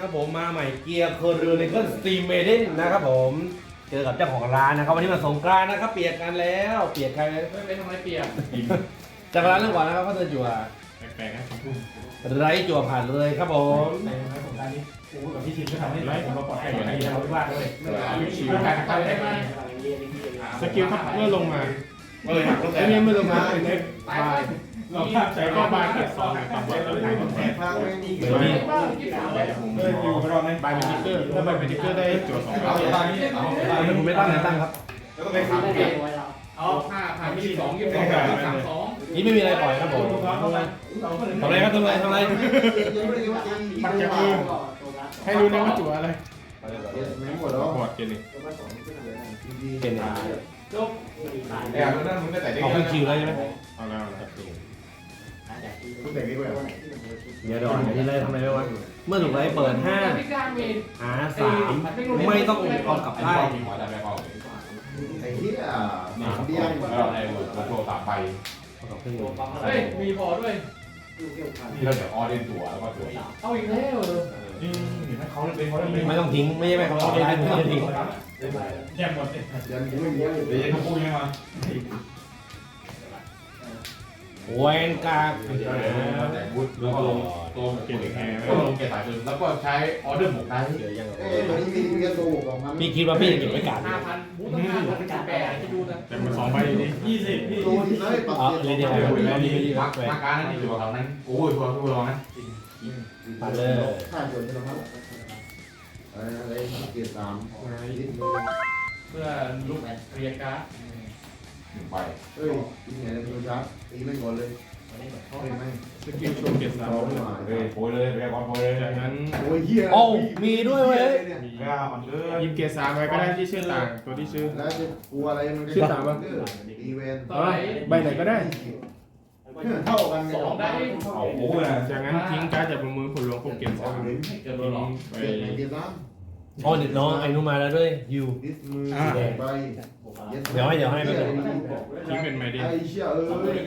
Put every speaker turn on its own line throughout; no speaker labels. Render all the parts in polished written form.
นะครับผมมาใหม่เกียร์เคอร์เรนเกิลสตรีมเมเดนนะครับผมเจอกับเจ้าของร้านนะครับวันนี้มาสงกรานต์นะครับเปียกกันแล้วเปียกใคร
ไม่ทำไมเปียก
จากร้านเรื่องก่อนนะครับเขาเดินจั่ว
แปลกๆนะคำพูด
ไร้จั่วผ่านเลยครับผม
ในสงการนี้กูกับพี่ชิมก็ทำให้ไลฟ์ผมมาปลอดภัยอย่างนี้เราที่บ้านด้วยชิวการเข้าได้ไหมสกิลครับเมื่อลงมาไอ้เนี่ยเมื่อลงมาเป็นเน็ตบายเราภาพใจก็บายเก็บซองต่ำกว่าตัวไหนแผลภาคไม่ดีเลยอยู่รอไหมบายเป็นติ๊กเกอร์ถ้าบายเป็นติ๊กเกอร์ได้จั่ว2ครั้ง
ผมไม่ตั้งไหนตั้งครับ
แล้วก็ไปขับเก็บ
เอาผ่าน22 22 32
นี่ไม่มีอะไรปล่อยครับผมทำอะไรครับทำอะไร
ปักจากมือให้รู้นะว่าจั่วอะไร
ไม่หมดแล้ว
บอดเกนนี่
เก่งเลย
จบ
ไอ้อันนั้นมึงก็แต่ได้
เอาขึ้นคิวแล้วใช่ไหม
เอาแล้วครับ
คุณแต่งดีกว่า
เดี๋ยวดอนที่ไรทำอะไรไม่วะเมื่อถูกไรเปิด5หา3ไม่ต้องกองกลับได้
ไอ้ที่เบี้ย
แล้วไอ้โชว์3ใบ
เฮ้ยมีพอด้วย
ที่เราเดี๋ยวออเดนตัวแล้วก็ตัว
เอาอีกแล้ว
เขาเล่นเขาเล่น
ไม่ต้องทิ้งไม่ใช่ไหมเขาเอาได้ไม่ต้องทิ้ง
แยกหมดเลย
ยังไม่มี
เดี๋ยวเขาพูดยังไงมา
แวนกา
แต่บูธแล้วก็ลงตัวเกตแคร์แล้วก็ลงเกตสายปืนแล้วก็ใช้ออเดอร์หมกได้
เอ้ยวันนี้มีกระตูกออกมา
พี่คิดว่าพี่จะเก็บไว้กาด
5,000บูธต้อง5,000แปดจะดูนะ
แต่มัน2ใบนี่20พี่
ตูที่เลยปัก
อ๋อ
เก็บ
เรียนเดียวแล้วนี่ไม่ดี
มา
แวน
การนั่นนี่ตัวเขานั้นโอ้ยตัวตัวเรานั้น
ผ่านเลย
ค่าจนใช่ไหมครับอะไรเกียร์3
เพื่อลุกเรียการ์ด
1ใบ
เอ้ยที่ไหนจะเป็นชาร์จตีไม่ก่อนเลยเฮ้ยไม่
สกิลโชว์เก็บ
เรา
3
ไม่มา
เฮ้ยโผล่เลยเรียกว่าโผล่เลย
จากนั้น
โอ้ยเฮีย
โอ้มีด้วยเว้ย
มีกล้ามันเลย
ยิมเกียร์3ไว้ก็ได้ที่ชื่อต่างตัวที่ชื่อ
แล้วจะกลัวอะไรมันอีเวนต์
ต่อไหน
ใบไหนก็ได้
เท่ากัน
2ได้
เอาโอ้ยนะ
จากนั้นทิ้งการ์ดจากมือผลลงพวกเกียร์3
เกินหรอ
ไป
เกียร์ไหนเกียร์3
อ๋อเด็ดน้องไอ้นู้มาแล้วด้วยยู
ดิสมือใบ
เดี๋ยวให้ไปเลย
ทิ้งเป็นไมเดน
ไอ้เชี่ยเอ้ย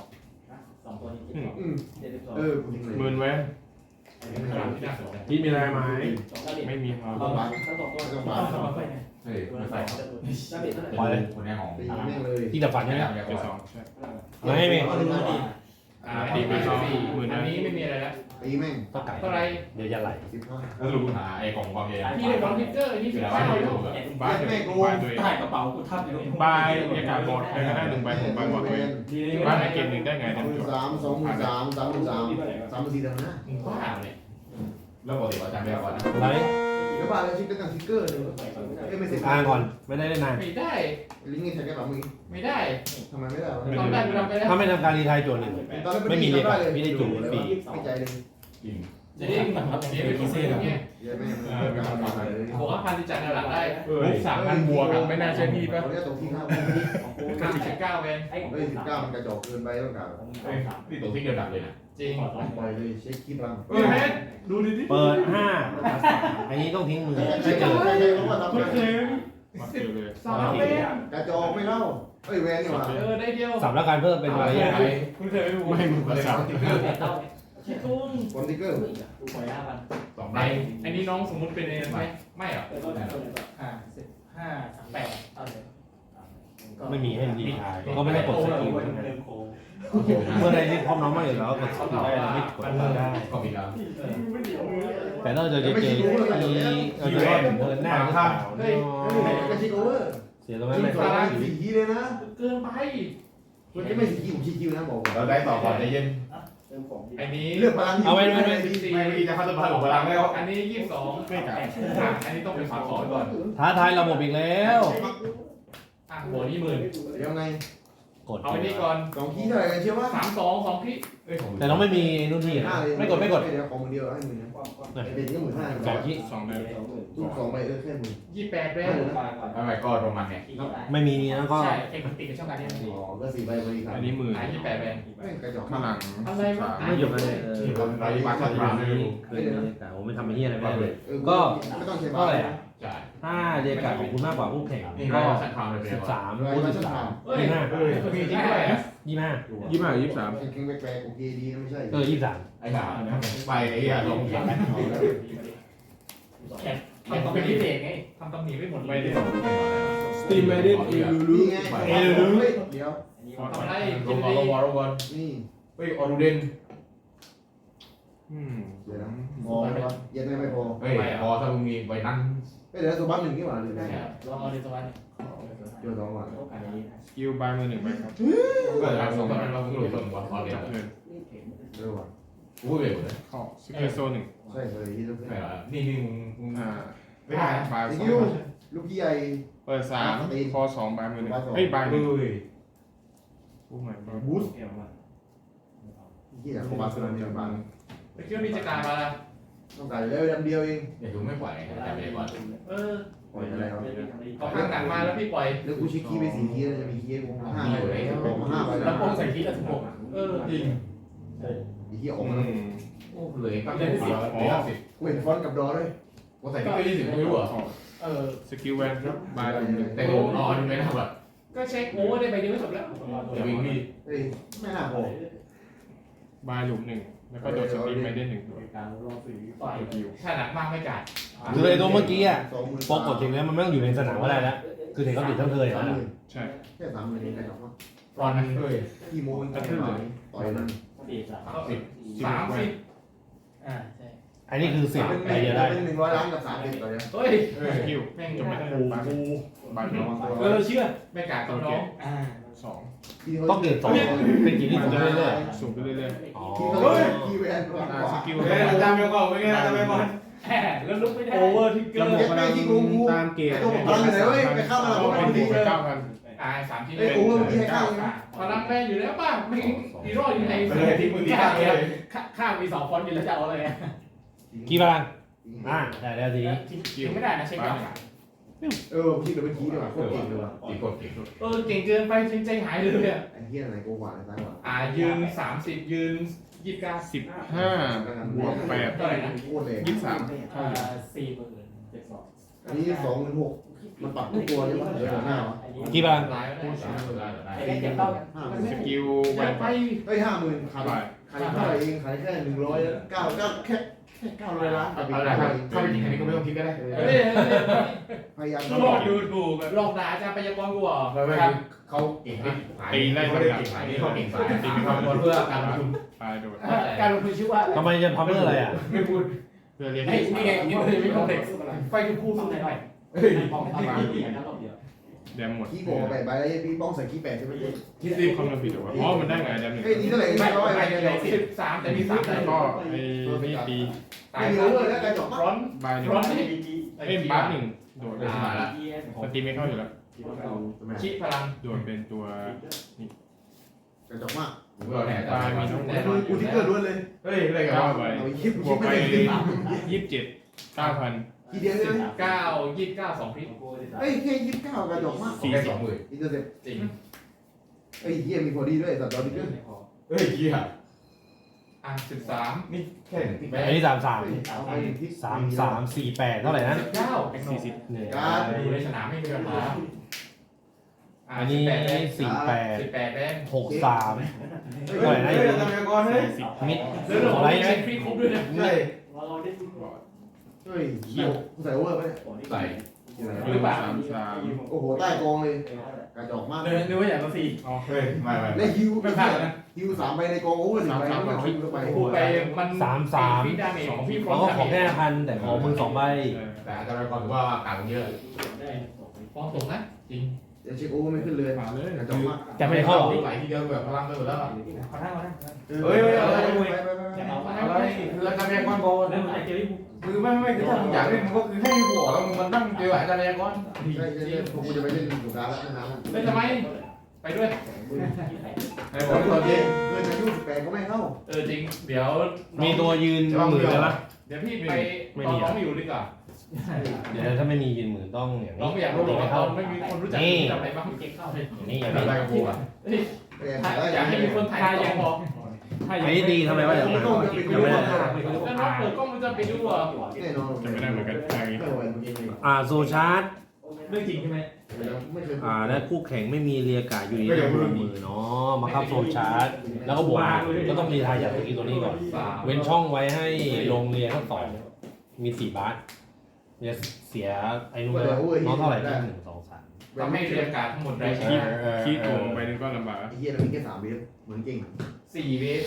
กูทิ้งเลย
หมื่นแวนที่มีลายไม้ไม่มีครับ
ต้องบาท
เฮ้ยไม่ใส่
ปล่อยเลย
คนนี้ของ
ตีแม่งเลย
ที่ดับฝันใช่ไหม
เกียร์2ใช่
ไม่มี
ตีไป2หมื่น
อั
นั้น น
นี้ไม่มีอะไรแล้ว
ตีแม่ง
ต้องไก่
เท่าไร
เดี๋ยวจะไหล
15
แล้วรู้หาไอ้ของความใหญ่
พี่ได้บอลพิกเกอร์นี่
คือ
สิบ
อะไร
เก้า
ไม่
ลู
รู้
ก
แบบ
บ้านด้วยบ้านด้วย
ใต้กระเป๋ากูทับอยู่
บายบรรยากาศบอดใครก็ได้1ใบ6ใบบอดด้วยบ้านไหนเกม1ได้ไงเนี่ย
23,000 33,000 34,000นะ
บ้าเลย
แล้วปกติเราจำไม่ได้ก่อนนะ
ไหล
แล้วบ้านแล้วชิคก็ตั้งทิกเกอร์เลยไม่เสร็จ
อ่านก่อนไม่ได้นาน
ไม่ได้
ลิงก์ใช้แค่แบบมึง
ไม่ได้
ทำไมไม่ได้
ทำได้ไม่ทำไปแล้ว
ถ้าไม่ทำการรีไทายโจทย์หนึ่ง ไม่มีเลยไม่ได้จุ่มฟรี
ไม่ใจเลย
จริง
จะได้เหมือนครับเสียไปกี่เซนเนี่ย
เยอะแม่มันเลย
บอกว่าพันที่จัดหลังได้
บุ๊ก3,000บวกอะไม่น่าใช่พี่ป่ะ
เขาเรียกตกที่ข้าว
59เวน
เฮ้ย19มันกระจอกเกินไปต้องการ
นี่ตัวที่เดียวดับเลยนะ
จริง
ปล่อยเลยเช็คคลิปรัง
เฮ้ยแมนดูดิ
เปิด5อันนี้ต้องทิ้งมือถ้าเจอ
เพราะว่าทำ
มาเจอเลย
3เวน
กระจอกไม่เล่าเฮ้ยแวนนี่หว่า
ได้เดียว
สับแล้วการเพิ่มเป็นระยะ
คุณเคยไปดู
ไม่มึงภาษา
คนทิกเกอร์
2ใบ
อันนี้น้องสมมุติเป็นอะไรไหมไม่หรอ
ไม่มีให้รีไทายก็ไม่ได้กดสกิลเมื่อใดที่พร้อมน้องมาอยู่แล้วกดสกิลได้ไม่กดได้
ก็มีแล้ว
แต่ถ้าเจอเจมีเราจะรอดเดินหน้าหรือเปล่า
เฮ้ยกระชิกโอเวอร์
เสียตรงนั้นเลย
ตารางสีคีเลยนะ
เกินไป
คุณจะไม่สีคีผมสีคีนะบอก
เราได้ต่อก่อนใจเย็น
อันนี้
เลือกพลัง
ไม่จะเข้าตัวพลังพลังแล้ว
อันนี้22ไม่กับอันนี้ต้องเป็น32ก่อน
ท้าทายระบบอีกแล้ว
หัวนี่10,000
เดี๋ยวไง
กด
เอาอันนี้ก่อน
สองคีเท่าไหร่กันเชื่อว่า
32 2พี่
แต่เราไม่มีนู่นที่ไม่กด
เดี๋ยวของมือเดียวให้มือนะเป็นก็15,000
2ที่
2เดือน
ลูก2ใบแค่มือ
28เวน
ไม่ก็โรมันเนี่ย
ไม่มีแล้วก็
ใช่เทคนิคกับช่องการเรียน
อ๋อก็4ใบพอดีครับ
อันนี้หมื่น
28เวน
แม่งกระจอก
ข้างหลัง
อะไรวะ
ไม่หยุดเลย
เราดีมากครับเราไม่รู้
เคยแต่ผมไม่ทำไอ้เหี้ยอะไรไม่ได้เลย
ไม่ต้องใช้
ก็อะไร
ใช่
ถ้าเรียกการของคุณมากกว่าคู่แข่ง
นี่
ก็
ก็สักครั้งเลย
13คูณ13
เฮ้ย
25
มีจริงด้วย
25
23
แข็งแปลกโอเคดีนะไม่ใช่
23
ไอ้หนาไปไอ้อะลงแข่ง
แขกทำเป็นพิเศษไงทำตำหนิไม่หมด
ไม่ได้
สตรีมไม่ได้เอลูลู
นี่ไงเดี๋ยว
ทำได้
ล
กิน
ง
ดี
ลงบอลลงบอล
นี่
เฮ้ยออรูเดน
เดี๋ยวนะพอไหมวะเย็นไม่พอ
เฮ้ยพอถ้ามึงมีใบนั้น
เดี๋ยวตัวบ้านหนึ่งนี่หว่าหรือไง
ลองเอาในสวรรค์
เดี๋ยวสองวัน
สกิลบายมือหนึ่งใบครับ
ก็จะสองคนนั้นเราหลุดส่วนบอลออเดน
จับเงิน
เร็วว่ะ
กูพูดเลยหมดเลย
เข้าสกิลโซหนึ่ง
ใช่เลยที่ต้อง
ไม่หรอนี่มึง
ไม่ได้บาย
ส
สอ
กิ
ง
ล
ใบ
ลูกใหญ่
เปิด3คอ2บายมือหนึ่งเฮ้ยบายห
เฮ้
นึ่ง
ย
ผู้ใหม่
บูสที่ไหนของบาร์เซโลนาบ้าง
ไปคิดว่ามีจักรมาละ
ต้องการเลยดำเดียวเอง
อย่าดูไม่ปล่อยแต่ไม่บอล
ปล่อยอะไรครับ
เอาข้างหนังมาแล้วพี่ปล่อย
แล้วกูชิคกี้ไป4ทีจะมีคีย์ผม5เลยผม5ไป
แล้
แล้ว ว
โป้งใส่ทีละ16จริง
อีกที่ออก
อื
มาม
โอ้เลยก็ได้10ได้50
กูเห็นฟอนต์กับดอด้วย
กูใส่ที่ไป20ไม่รู้เหรอ
สกิลแวนครับบายมือหนึ่ง
แต่กูนอนไม่น่าแบบ
ก็เช็คโอ้ได้ไปเดียวก็จบแล้ว
จะวิ่งพี่
เฮ้ยไม่น่าพอบ
ายหลุมหนึ่งแล้วก็โดดสตรีมไม่ได้หนึ่งตัว
ต่อยถ้าหนักมากไม่จ่าย
คือไอ้ตัวเมื่อกี้อ่ะ
20,000
ปกติแล้วมันไม่ต้องอยู่ในสนามก็ได้แล้วคือเด็กก็ติดทั้งเคยแล้วนะ
ใช่
แค่30,000เองนะครับ
ตอนนั้นเฮ้ย
กี่โมงมันต่อยนั่น
30ใช่
อันนี้คือ10
เป็น
ไปเดียวได้
100 ล้านกับ30ต่อเดือน
เฮ้ย
สกิลจบไม่ได้บายบายหนึ่ง
เชื่อไม่กล้ากับน้อง
สอง
ต้องเกิด2เป็นกี่ที่สูงเรื่อย
สูงขึ้นเรื่อย
ๆอ๋อ
ที่แวน
ๆสกิล
อาจารย์เบลก่อนเป็นไงอาจารย์เบลก่อน
แหมแล้วลุกไม่ได้
โอเวอร์ที่เกิ
ระ
น
บบพลังตามเกณฑ์เป็นบวกไป9,000
3 ชิ้น
ไอ้โอ้ยพี่ให้ข้าวนะ
พลังแม่อยู่แล้วป่ะไม่มีรอดอยู่ใน
เลยที่มึงที่ตั้งเลย
ข้าวมี2ฟอนต์อยู่แล้วจะเอาอะไร
กี่พลังได้แล้วทีนี้
กินไม่ได้นะเช็คก่อน
พี่เดี๋ยวเป็นทีดีกว่าโคตรเก่งเลยว่ะ
ตีกดเก่ง
เก่งเกินไปใจหายเลยอ่ะ
ไอ้เหี้ยอะไรกูหวานซ้ายหวาน
ยืน30ยืน29
15บวก8
เท่าไหร่นะ
โคตรเลย
23เท่าอยู่
อันนี้26,000มันปรับทุกตัวเลยว่าเหลือหน้าวะ
กี่พลัง
หลายแล้ว
สกิลแวน
ไป
เฮ้ย50,000ขายเท่าไหร่เองขายแค่100แค่900 ล้าน
เอาละครับถ้าเป็นจริงอันนี้ก็ไม่ต้องคิดก็ได้
พยายาม
ลองดูถูกแบบลองด่าอาจารย์พยากรณ์กูเหรอ
ไม่เขาเก่งเขาเก่งสายนี้เขาเก่งสายตีมีความเพื่อการลงทุน
ปลายโดด
การลงทุนชื่อว่า
ทำไมจะทำเพื่ออะไรอ่ะ
ไม่พูด
เพื่อเรียน
ไอ้นี่ไงนี่เลยไม่คอมเพล็กซ์ไฟดูคู่สู้หน่อย
เฮ้ย
แดมหมด
ขี้โกงไปใบแล้วพี่ป้องใส่ขี้8ใช่ไหม
ที่รีบคำนวณผิดหรือว่าอ๋อมันได้ไงแดมหนึ่ง
เฮ้ยนี่เท่าไหร่
ไม่
ร้อย
ไม่
อะไร
ไม่
เนี่ย
13แต่มี3
แล้วก็ไอ้นี่ตี
ตาย
ไม่รู้เลยแล้วกระจก
ร้อน
บายหนึ่ง
ร้อนนี่
เอ้ยบัฟหนึ่งโดด
ได้มาแล้ว
สตรีมไม่เข้าอยู่แล้ว
ชิพลัง
โดดเป็นตัว
กระจกมาก
ผมก็แน่
บายมีทั้งหมด
กูที่เกิดล้วนเลย
เฮ้ยอะไรกัน
9ใบ
เอาคลิป
บ
กู
วก
ไม่
ไป
ได้
27 9,000
ทีเดียวใช่ไหม
9 29 2พริก
เฮ้ยแค่29กระจกมาก
แค่20,000
อินเตอร์เซ็ป
จริง
เฮ้ยเฮียมีพอดีด้วยสัตว์ดอดิเกอร์
เฮ้ยเหี้ย
13
นี่แค่ไหนที่แม่
อันนี้33
เอาไปที่
3348เท่าไหร่นะ
9
40
เนี่ย
อยู่ในสนามไม่มีปัญหา
อันนี้48
18แม่ง
63
เฮ้ยอาจารย์เบลก่อนเฮ้ย
มิด
แล้วเรา
อะไร
ไม่
ไหม
เช็คฟรีครบด้วยนะ
ใช่เฮ้ยกูใส่โอเวอร์ไหม
ใส่
หรือเปล่า
โอ้โหใต้กองเลยกระจกมาก
นึกว่าอย่างละ4
เฮ้ยไม่
และฮิว
ไม่พลาดนะ
ฮิว3ใบในกองโอเวอร์1ใบก็ฮิวเข้าไป
พูดไปมัน
33
ฟีดาเมจของพี่ฟร
เขา
อน
ก็
ต์
ขอแค่1,000แต่ขอมือ2ใบ
แต่อาจารย์ก่อนถือว่าต่างเยอะ
ฟองตกนะจริง
จะเช็คโอเวอร์ไม่ขึ้นเลย
มาเลย
กระจกมาก
จะไม่เข้าหรอ
ไหลทีเดียวแบบพลังไปหมดแล้ว
ขอนั่งมานั่ง
เฮ้ยอะไรไป
อะไรคืออาจารย์ก่อนบอกคือไม่คือถ้ามึงอยากเล่นมึงก็คือให้กูออกแล้วมึงมันนั่งเจออาจารย์ก่อน
ใช่ผมจะไปเล่นสงการแล้วนะ
เล่นทำไมไปด้วย
ให้ผมตอนเย็น
เกินอายุ18ก็ไม่เข้า
จริงเดี๋ยว
มีตัวยืนหมื่นเลยปะ
เดี๋ยวพี่ไปตอนน้องอยู่ดีกว่า
เดี๋ยวถ้าไม่มียืนหมื่นต้องอย่าง
น้อง
นี้
ไม่อยากรู้หรอกว่าตอนไม่มีคนรู้จักอะไรบ้างเก่งเข้าเลย
อย่างนี้อย่าง
อะไร
นี้
กับกูอ่ะ
อยากให้มีคนถ่ายยังพอ
อันนี้ดีทำไมวะเดี๋ยวมายังไม่ได้
แล้วน้องเปิดกล้องมันจะไปดูอ่ะ
แน่นอน
จะไม่ได้เหมือนกันอย่างนี้
ไม่ไหวเมื่อกี้เลย
โซชาร์ต
เรื่องจริงใช่ไหม
ไม่เคย
และคู่แข่งไม่มีเรียกาอยู่ดีนะมือเนาะมาครับโซชาร์ตแล้วก็บวกก็ต้องรีไทายจากตัวนี้ก่อน เว้นช่องไว้ให้ลงเรียนทั้ง2มี4 บาทจะเสียไอ้นู่นน้องเท่าไหร่ที่1 2 3
ทำให้เรียกการทั้งหมดได้
ขี้ตัวไปนึงก็ลำบาก
ไอ้เหี้ยเรามีแค่3 เวฟเหมือนเก่ง
4 เวฟ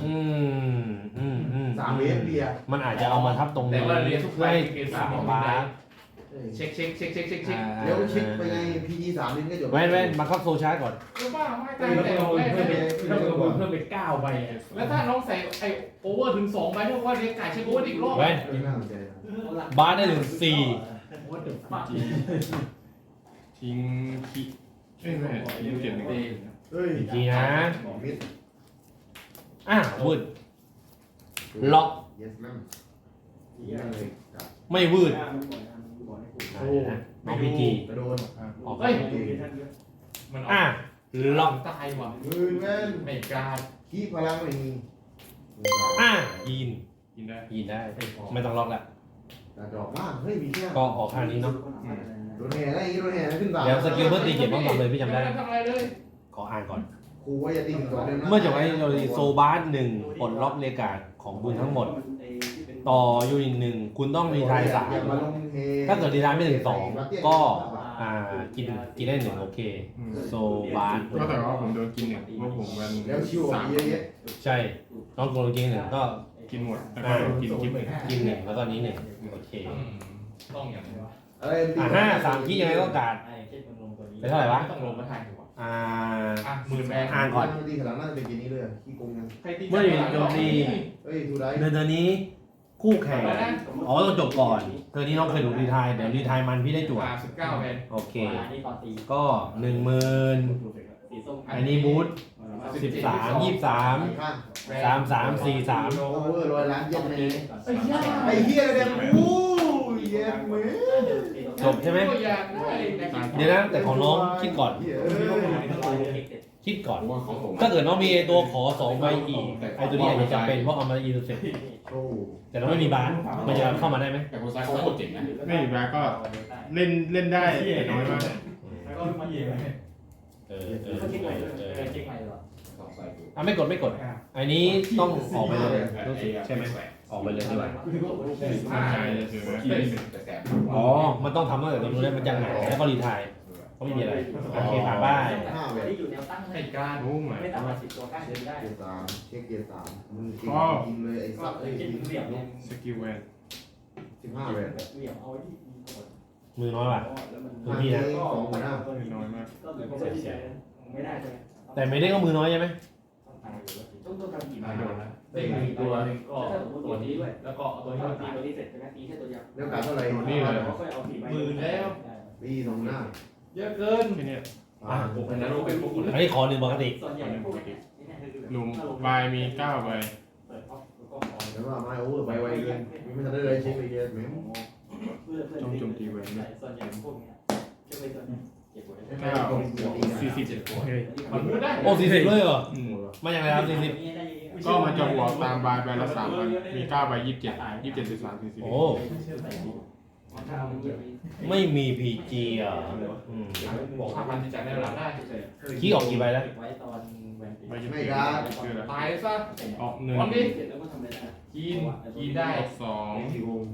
3 เวฟเบียร์
มันอาจจะเอามาทับตรง
แต่
นี้
ว่าเรียนทุก
เพื่
ไป
อให้
เกณฑ์
สา
3
ม
บา
บา
ท
ส
เช็ค
เดี๋ยวเช็คไปไง PG 3 ลินก็จบ
แว่นมาเข้าโซชาร์จก่อน
รู้ป่ะไม่
เพิ่
ตายแต่แรก
มเพิ่มไป9ใบ
แล้วถ้าน้องใส่ไอโอเวอร์ถึง2ใบเท่ากับว่าเรียกไก่เช็คโอเวอร์อีกรอบ
แว่น
น่าสนใจ
บาสได้ถึง
ว่าถึงปาก
ทิ้งขี้เอ้ยไม่ทิ้งเจ็ดหนึ่ง
เฮ้ย
4ทีนะ
มิด
วืดล็อก
yes ma'am นั่นเลยครับ
ไม่วืดน้องพีจี
กระโดด
ออกไป
เฮ้ยมัน
ล็อก
ตายว่ะ
มือแว่น
ไม่กล้า
ขี้พลังไม่มี
ยีน
กินได้
ยีนได้ ไม่ต้องล็อกละ
แต่ดอกมากเฮ้ยมีแค่
ก็ออกข้างนี้เนาะ
โดนแห่ได้อย่างงี้โดนแห่ขึ้นบ่า
เดี๋ยวสกิลเพื่อตีเก็บต้องทำเลยพี่จำได้
ทำอะไรเลย
ขออ่านก่อน
ครูว่าอย่าตีถึง2 เดือนนะ
เมื่อจบไอ้โซบาส1ปลดล็อกเรกาดของคุณทั้งหมด ต่อยูนิต1คุณต้องรีไทาย
อย่ามาลงเฮ
3ถ้าเกิดรีไทายไม่ถึง2ก็กินได้1โอเค โซบาส
ก็แต่ว่าผมโดนกินหนึ่งเพราะผมวัน
แล้วชิวอ่ะเยอะแยะ
ใช่น้องโกลกิน1ก็
กินหมดแล้วก็โดนกินคลิปหนึ่ง
กิน1แล้วก็นี้1โอเค
ต้องอย่างนี้วะ
อะไรตี
3ขี้ยังไงก็การไปเท่าไหร่วะ
ต้องลงมาทายหัว
อ่า
10,000แบง
อ่านก่อน
ตีขนาดนั้นเป็นเกมนี้เลยขี้โกงยัง
เมื่ออยู่โจมตี
เฮ้ยทูได้
เดือนนี้คู่แข่งต้องจบก่อนเธอนี้น้องเคยถูกรีไทายเดี๋ยวรีไทายมันพี่ได้จั่ว
19แบง
โอเค ก็10,000อันนี้บูท13 23
ข้าง
33 43
โอเวอร์100 ล้านเย็นนี้ไอ้เหี้ยเด็กอู้เย็นเว้ย
จบใช่ไหม
ตัวอย่างได้
เดี๋ยวนะแต่ของน้องคิดก่อน
เหี้ย
คิดก่อน
ว่าของผม
ถ้าเกิดน้องมีไอ้ตัวขอ2ใบอีกไอ้ตัวนี้อาจจะจำเป็นเพราะเอามาอีเสร็จ
โอ้
แต่เราไม่มีบาสมันจะเข้ามาได้ไหม
แต่คนซ้ายเขาโคตรเจ๋งนะไม่มีแบกก็เล่นได้แต่น้อยมาก
ไม่กดอันนี้ต้องออกไปเลยรู้สึกใช่ไหมออกไปเลยดีกว่า
ใช่คือขี้
อ๋อมันต้องทำตั้งแต่ตรงนู้นแล้วมันจะหงายแล้วก็รีไทายก็ไม่มีอะไรโอเคผ่านบ้าน
5 เว้ย
ให้การ
โอ้ไม่
เกียร์3เช็คเกียร์3มึงเก่งจริงเลยไอ้สัตว์ไอ้ทีม
สกิลแวน
15 เว้ย
มือน้อยว่ะมือพี่นะ
2 หัวหน้า
น้อยมาก
แต่ไม่ได้ก็มือน้อยใช่ไหม
โดนแล้วเด็กมีตัวหนึ่งก็ตัวนี้ด้วยแล้วก็ตัวนี้ตีตัวนี้เสร็จ
แล้วการเท่าไหร่
10,000แล้ว
ปี2 หัวหน้า
เยอะเกิน
แค่นี้
ผมนั้นรู้เป็นพวกคน
อันนี้ขอ1ปกติ
ลุมใบมี9ใบ
แล้วว่าไม่โอ้ไปไวเกินไม่ทันได้เลยเช็คเลยเยอะแม่ง
โจมตีแวนด้วย
ไม่เอา40
เฮ้ย
มันพูดได้
โอ้40เลยเหรอ
อืม
มาอย่างไรครับ40
ก็มันจะบวกตามใบใบละ3ใบมี9ใบ27 27 13 40
โอ้ไม่มี PG อ่ะ
บอก5,000ที่จ่ายในหลังได้
ขี้ออกกี่ใบแล้ว
ใบยี่
ไม่
สิบ
ได้
คืออะไร
ตายซะ
ออก1
วันนี้กินได้
ออก2
4 วง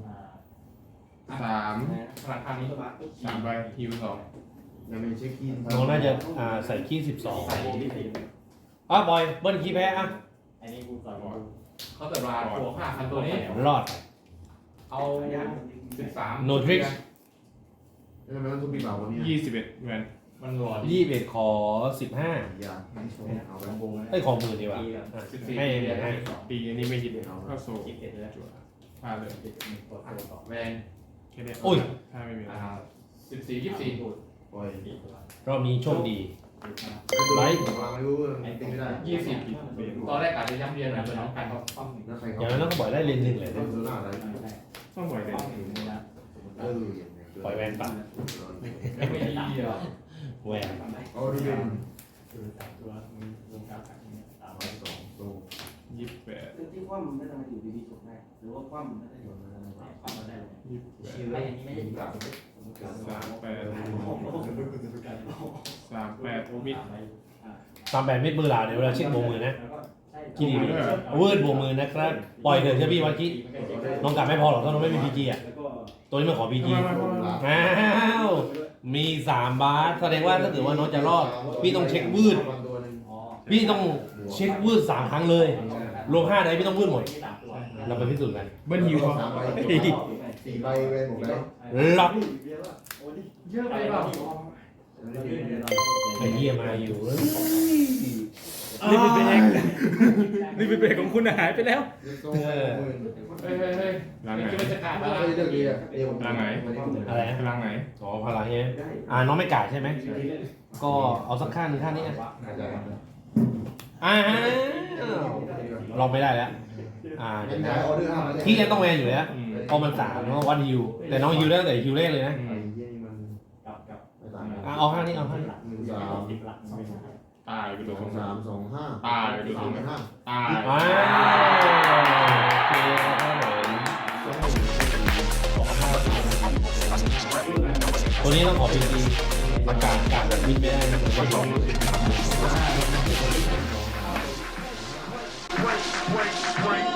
3
พลังทางนี้
3ใบฮิว2
ยังไม่เช็คคีน
น้องน่าจะใส่ขี้12บอยเบิ้ลขี้แพ้อ่ะ
เขาแต่ราตัว5,000ตัวนี้
รอด
เอา13
No tricks
แล้วทำไมต้องทุบปีเปล่าวันนี้
21แวน
มันหลอด
21ขอ15
อย่าเอาไปวง
ไอ้ของมือดีกว่าให้ให้
ตีอันนี้ไม่ฮิตเข้าโซ่จั่วพลาดเลย
แวน
แค่นี้
อุ้ย
ถ้าไม่มี
14 24
ปล่อย
รอบนี้โชคดี
ไลท์วางไม่รู้ตีไม่ได้
20ตอนแรกอาจจะย้ำเรียนหน่อยเป็นน้องกัน
แล้วใคร
อ
เขา
ย่างนั้นต้องปล่อยได้เลนหนึ่งเลย
เล่นโซน่าอะไร
ต้องปล่อยเลย
ปล่อยแวนปัด
ไม่ดีอ่ะ
แวน
เอาดูเป็น
28
ที่คว่ำไม่ทำไมอยู่ดีๆจบได้หรือว่าคว่ำไม่ได้อยู่คว่ำมาได้เลย
28
ไม่อันนี้ไม่ได้อยู่กับ
38มิด
38เม็ดมือหลาเดี๋ยวเวลาเช็คโบมือนะ
กี่ดีด้วย
วืดโบมือนะครับ ปล่อยเถอะใช่พี่วันกี้น้องกลับไม่พอหรอกถ้าน้องไม่มี PG อ่ะ
แล้วก็
ตัวนี้มันขอพีจี
มา
อ้าวมี3 บาสแสดงว่าถ้าเกิดว่าน้องจะรอดพี่ต้องเช็ควืด
อ๋อ
พี่ต้องเช็ควืด3 ครั้งเลยรวม5ได้พี่ต้องวืดหมด เราไปพิสูจน์กัน
เบิ้ลฮิวเขา
3 ใบ4 ใบเวนหมดแล้ว
ล็อก
เยอะไปเปล่า
ไอ้เหี้ยมาอยู่
นี่เป็นเบรกนี่เป็นเบรกของคุณหายไปแล้ว
เฮ้ย
ร่างไหน
จะจะขาด
ไม่
อะไร
เคยเลือกดีอ่ะเดี๋ยว
อะไรนะ
ร่างไหน
อ๋อพลังเนี่ยน้องไม่กาดใช่ไหมก็เอาสักขั้นข้างนี้ลองไม่ได้แล้วเดี๋ยวนะ
ออเดอร์5มา
พี่ยังต้องแวนอยู่แล้วพอมัน3เนาะวันฮิวแต่น้องฮิวได้แต่ฮิวแรกเลยนะ เอาข้างนี้เอาข้างนี้
ตายไปตัวตรงนั้น
3 2 5
ตายไปตัวตรงนั้น
5
ตาย
โอเคครับผมตัวนี้ต้องขอพีจีอากาศแบบวินไม่ได้นะผมไม่ต้อง